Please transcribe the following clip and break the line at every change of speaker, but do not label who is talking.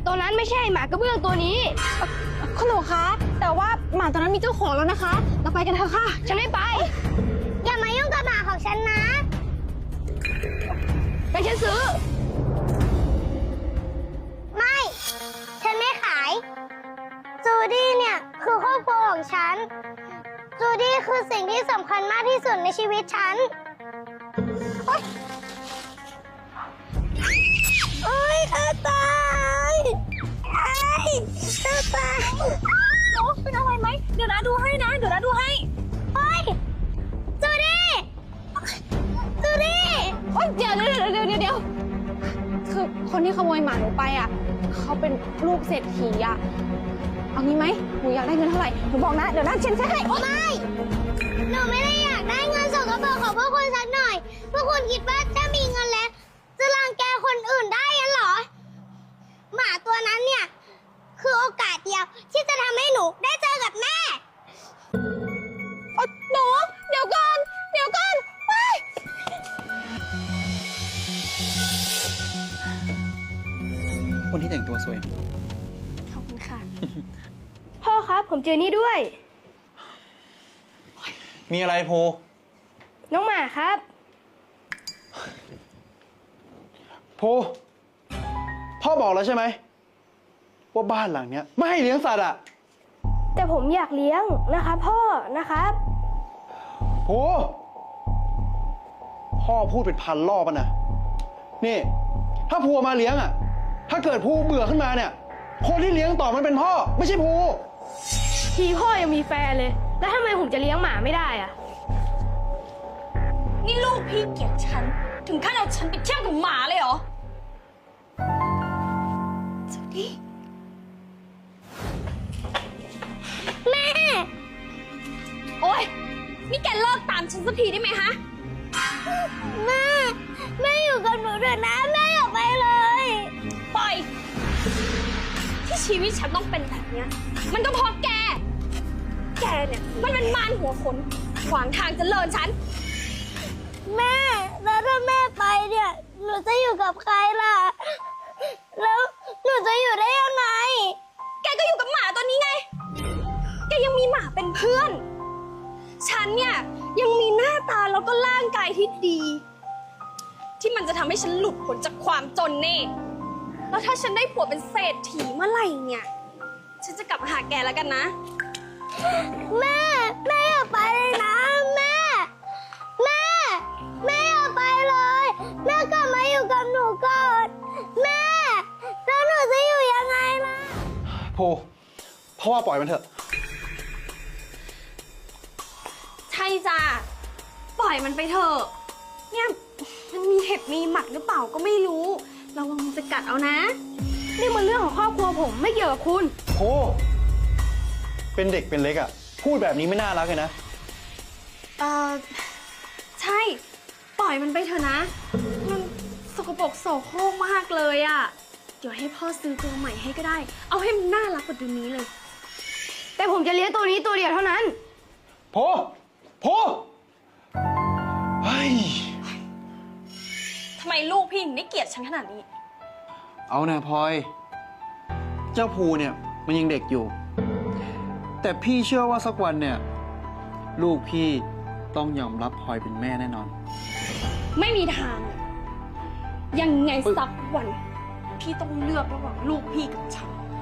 ตัวนั้นไม่ใช่หมากระเบื้องตัวนี้
คุณหนูคะแต่ว่าหมาตัวนั้นมีเจ้าของแล้วนะคะเราไปกันเถอะค่ะ
ฉันไม่ไป
อย่ามายุ่งกับหมาของฉันนะ
แต่ฉันซื้อ
ไม่ฉันไม่ขายจูดี้เนี่ยคือครอบครัวของฉันจูดี้คือสิ่งที่สำคัญมากที่สุดในชีวิตฉันโอ๊ยเธอตายเธอตาย
โอ้เป็นอะไรไหมเดี๋ยวนะดูให้นะเดี๋ยวนะดูให้
โอ๊ยจูดี้จูดี้
โอ๊ยเดี๋ยวคือคนที่ขโมยหมาหนูไปอ่ะเขาเป็นลูกเศรษฐีอ่ะเอางี้ไหมหนูอยากได้เงินเท่าไหร่หนูบอกนะเดี๋ยวนะฉันให้
ไม่หนูไม่ได้อยากได้เงินสกปรกของพวกคุณสักหน่อยพวกคุณคิดว่าถ้ามีเงินแล้วจะรังแกคนอื่นได้ยังเหรอหมาตัวนั้นเนี่ยคือโอกาสเดียวที่จะทำให้หนูได้เจอกับแม่
หนูเดี๋ยวก่อนไป
คนที่แต่งตัวสวย
ขอบคุณค่ะ
พ่อครับผมเจอนี่ด้วย
มีอะไรภู
น้องหมาครับ
ภูพ่อบอกแล้วใช่ไหมว่าบ้านหลังเนี้ยไม่ให้เลี้ยงสัตว์อ่ะ
แต่ผมอยากเลี้ยงนะครับพ่อนะครับ
ภูพ่อพูดเป็นพันรอบนะนี่ถ้าภูมาเลี้ยงอ่ะถ้าเกิดภูเบื่อขึ้นมาเนี่ยคนที่เลี้ยงต่อมันเป็นพ่อไม่ใช่ภู
ทีพ่อยังมีแฟนเลยแล้วทำไมผมจะเลี้ยงหมาไม่ได้อะ
นี่ลูกพี่เกลียดฉันถึงขั้นเอาฉันไปเทียบกับหมาเลยเหรอจูดี้
แม่
โอ๊ยนี่แกเลิกตามฉันสักทีได้ไหมฮะ
แม่อยู่กับหนูเถอะนะแม่อย่าไปเลย
ปล่อยที่ชีวิตฉันต้องเป็นแบบเนี้ยมันก็เพราะแกเนี่ยมันเป็นมารหัวขนขวางทางเจริญฉัน
แม่แล้วถ้าแม่ไปเนี่ยหนูจะอยู่กับใครล่ะแล้วหนูจะอยู่ได้ยังไง
แกก็อยู่กับหมาตัวนี้ไงแกยังมีหมาเป็นเพื่อนฉันเนี่ยยังมีหน้าตาแล้วก็ร่างกายที่ดีที่มันจะทำให้ฉันหลุดพ้นจากความจนเน่แล้วถ้าฉันได้ผัวเป็นเศรษฐีเมื่อไหร่เนี่ยฉันจะกลับมาหาแกแล้วกันนะ
แม่อย่าไปเลยนะแม่อย่าไปเลยแม่กลับมาอยู่กับหนูก่อนแม่แล้วหนูจะอยู่ยังไงล่ะ
ภูพ่อว่าปล่อยมันเถอะ
ใช่จ้ะปล่อยมันไปเถอะเนี่ยมันมีเห็บมีหมัดหรือเปล่าก็ไม่รู้ระวังมันจะกัดเอานะ
นี่มันเรื่องของครอบครัวผมไม่เกี่ยวกับคุณ
ภูเป็นเด็กเป็นเล็กอ่ะพูดแบบนี้ไม่น่ารักเลยนะ
ใช่ปล่อยมันไปเถอะนะมันสกปรกโสโครกมากเลยอ่ะเดี๋ยวให้พ่อซื้อตัวใหม่ให้ก็ได้เอาให้มันน่ารักกว่าตัวนี้เลย
แต่ผมจะเลี้ยงตัวนี้ตัวเดียวเท่านั้น
ภูเฮ้ย
ทำไมลูกพี่ถึงได้เกลียดฉันขนาดนี้
เอานะพลอยเจ้าภูเนี่ยมันยังเด็กอยู่แต่พี่เชื่อว่าสักวันเนี่ยลูกพี่ต้องยอมรับพลอยเป็นแม่แน่นอน
ไม่มีทางยังไงสักวันพี่ต้องเลือกระหว่างลูกพี่กับฉัน